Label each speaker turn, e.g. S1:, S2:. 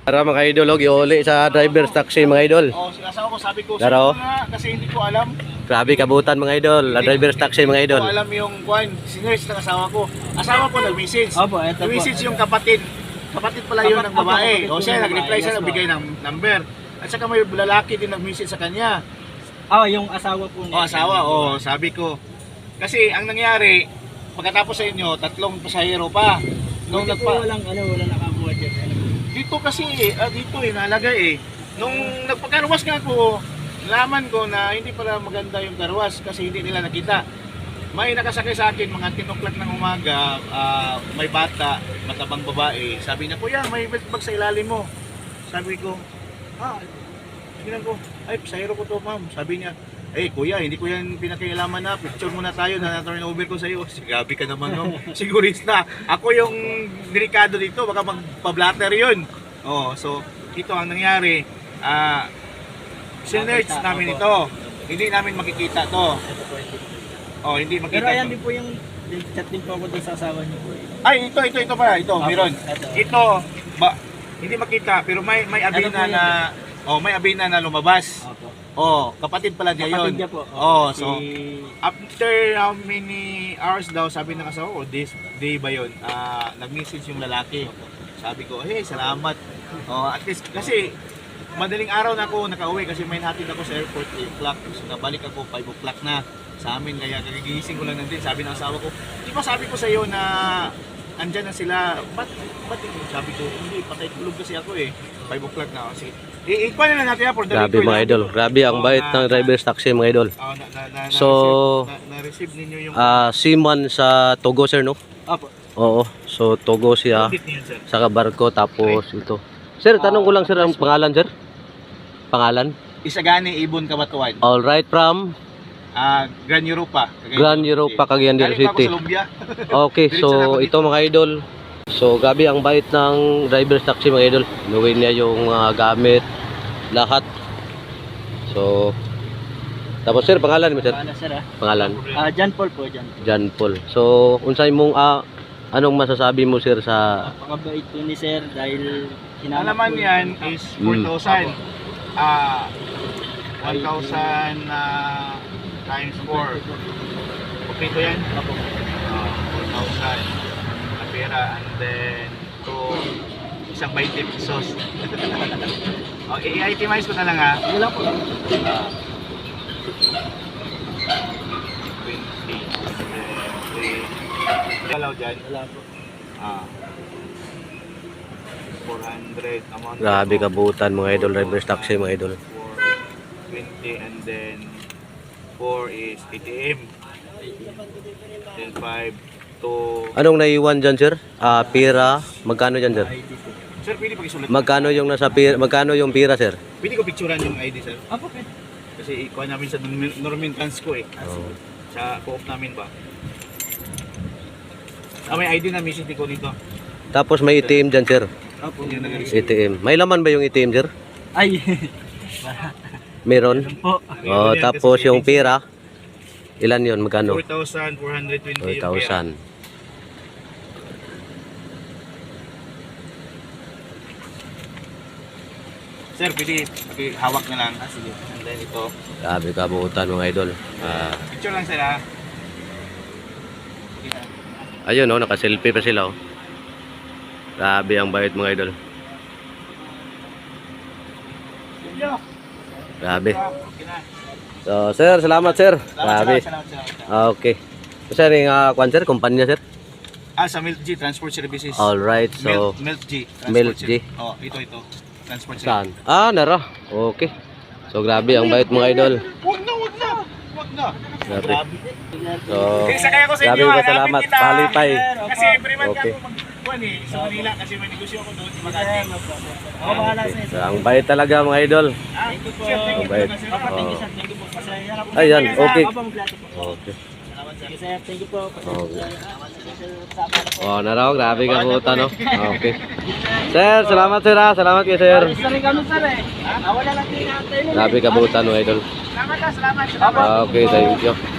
S1: Para mga idol, giuli sa driver's taxi mga idol.
S2: Oh, asawa ko sabi ko,
S1: Laro.
S2: kasi hindi ko alam.
S1: Grabe kabutan mga idol, la driver's taxi mga idol.
S2: Hindi ko alam yung kwan, sinurse ng asawa ko. Asawa ko nag-message.
S3: Opo, eto po.
S2: Nag-message yung kapatid. Kapatid pala yun ng babae.
S3: Opo,
S2: O siya,
S3: ng
S2: nag-reply
S3: babae,
S2: siya,
S3: yes,
S2: nagbigay ng number. At saka may lalaki din nag-message sa kanya.
S3: Yung asawa po niya.
S2: Asawa, sabi ko. Kasi ang nangyari, pagkatapos sa inyo, 3 pasahero pa. Nung
S3: Hindi po walang nakabuhat dyan.
S2: Dito kasi, dito nalagay Nung nagpagkarwas nga ako, nalaman ko na hindi pala maganda yung karwas kasi hindi nila nakita. May nakasakay sa akin mga 10 o'clock ng umaga, may bata, matabang babae. Sabi niya, kuya, may bag sa ilalim mo. Sabi ko, tingnan ko, ay, pasahero ko to, ma'am. Sabi niya, kuya, hindi ko yan pinakailaman na. Picture muna tayo, na-turn over ko sa iyo. Gabi ka naman, no? Sigurista. Ako yung delikado dito, baka magpa-blatter yun. So, ito ang nangyari. Sinerge namin ito. Hindi namin makikita to. Hindi makita.
S3: Pero ayan din po yung chat din po ako doon sa asawa niyo po.
S2: Ay, ito pala. Ito, meron. Ito, hindi makita, pero may abina na, may abina na lumabas. Kapatid pala niya yun.
S3: Kapatid niya po.
S2: So, after how many hours daw, sabi ng asawa ko, this day ba yun, nag-message yung lalaki. Sabi ko, hey, salamat. At least, kasi, madaling araw na ako nakauwi kasi may hatid ako sa airport 8 o'clock. So, nabalik ako 5 o'clock na sa amin. Kaya kagigising ko lang nandun. Sabi ng asawa ko, di ba sabi ko sa iyo na andyan na sila, ba't sabi ko, hindi, patay tulog kasi ako 5 o'clock na kasi. Ikuha na natin for the
S1: Grabe mga idol, grabe ang bait ng driver's taxi mga idol. So,
S2: na-receive ninyo yung
S1: seaman sa Togo sir, no?
S3: Opo.
S1: Oo, so Togo siya, sa barko, tapos ito. Sir, tanong ko lang sir, ang pangalan sir? Pangalan?
S2: Isagani Ibon Kabatuan.
S1: Alright, from?
S2: Gran Europa.
S1: Gran Europa, Cagayan del City. Okay, so ito mga idol. So gabi ang bait ng driver's taxi mga idol. Inuwi niya yung gamit, lahat. So tapos sir, pangalan mo sir? Pangalan?
S3: John Paul po,
S1: John Paul. So unsay mong anong masasabi mo sir sa
S3: napakabait po ni sir dahil
S2: alaman yan is 4,000. 1,000 times 4. Okay to yan? 4,000 na pera, and then isang 20 pesos. I-itemize ko na lang ha.
S3: Wala po.
S2: 20. Galaw dyan.
S3: Wala po.
S2: 400 amount.
S1: grabe kabutan mga idol, driver's taxi mga idol.
S2: 20 and then 4 is ATM. Then 5 to...
S1: Anong naiwan dyan sir? Pira, magkano dyan sir?
S2: Sir, pwede pag-isulat.
S1: Magkano yung nasa pira, magkano yung pira sir?
S2: Pwede ko picturean yung ID, sir.
S3: Opo, okay.
S2: Kasi ikuha namin sa Normin Transco sa co-op namin ba. May ID na message ko dito.
S1: Tapos may ATM dyan sir.
S3: Opo.
S2: Yung nag-receive.
S1: ATM. May laman ba yung ATM sir?
S3: Ay.
S1: Meron?
S3: po.
S1: Tapos yung pira, ilan yun? Magkano?
S2: 4,420 yung pera.
S1: 4,000.
S2: Sir, pwede hawak na lang. Sige. And then ito.
S1: Grabe kabutan mga idol.
S2: Picture lang sir ha.
S1: Ayun naka-selfie pa sila Grabe ang bait mga idol. Grabe. So sir, salamat sir. Grabe. Okay. So sir, yung kwan sir, kumpanya sir?
S2: Sa Milk G Transport Services.
S1: Alright, so
S2: Milk G.
S1: Milk G.
S2: Ito. Transport
S1: Saan?
S2: Services.
S1: Nara. Okay. So grabe ang bait mga idol.
S2: Wag na.
S1: Grabe. So,
S2: Sakay ako sa
S1: grabe
S2: inyo.
S1: ka salamat. Palipay.
S2: Kasi every month
S1: Okay.
S2: ako magkuhan sa Manila kasi may negosyo ako doon sa Makati.
S1: So, ang bait talaga mga idol.
S3: Thank you po.
S1: Ang bait.
S3: Thank you sir. Thank you po. Pasaya na po.
S1: Ayan, okay.
S3: Opo, maglato po.
S1: Okay.
S3: Sige sir. Thank you po.
S1: Okay.
S3: Salamat po.
S1: Naraw, grabe ka po Okay. Sir, salamat sir ha. Salamat kay sir.
S3: Isa rin kami sir Wala lang din natin.
S1: Grabe kabutan mga idol.
S2: Salamat.
S1: Okay, thank you.